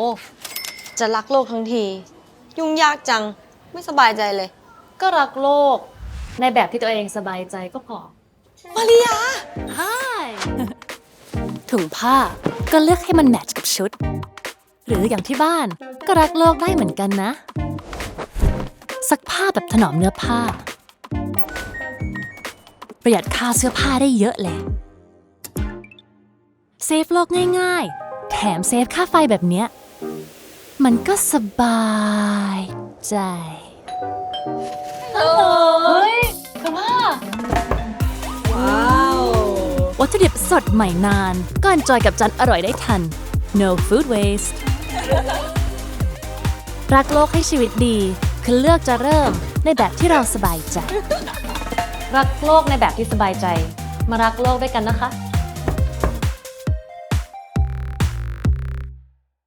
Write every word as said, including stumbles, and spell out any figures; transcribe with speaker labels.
Speaker 1: จะรักโลกทั้งที ยุ่งยากจัง ไม่สบายใจเลย
Speaker 2: ก็รักโลกในแบบที่ตัวเองสบายใจก็พอ
Speaker 1: มาริยา
Speaker 3: ถุงผ้าก็เลือกให้มันแมทช์กับชุด หรืออย่างที่บ้านก็รักโลกได้เหมือนกันนะ ซักผ้าแบบถนอมเนื้อผ้า ประหยัดค่าเสื้อผ้าได้เยอะเลย เซฟโลกง่ายๆ แถมเซฟค่าไฟแบบเนี้ย มันก็สบายใจ
Speaker 2: เฮ้ยคุณพ่อ
Speaker 1: ว้าว
Speaker 3: วัตถุดิบสดใหม่นานก็อนจอยกับจานอร่อยได้ทัน no food waste รักโลกให้ชีวิตดีคือเลือกจะเริ่มในแบบที่เราสบายใจ
Speaker 2: รักโลกในแบบที่สบายใจ มารักโลกด้วยกันนะคะ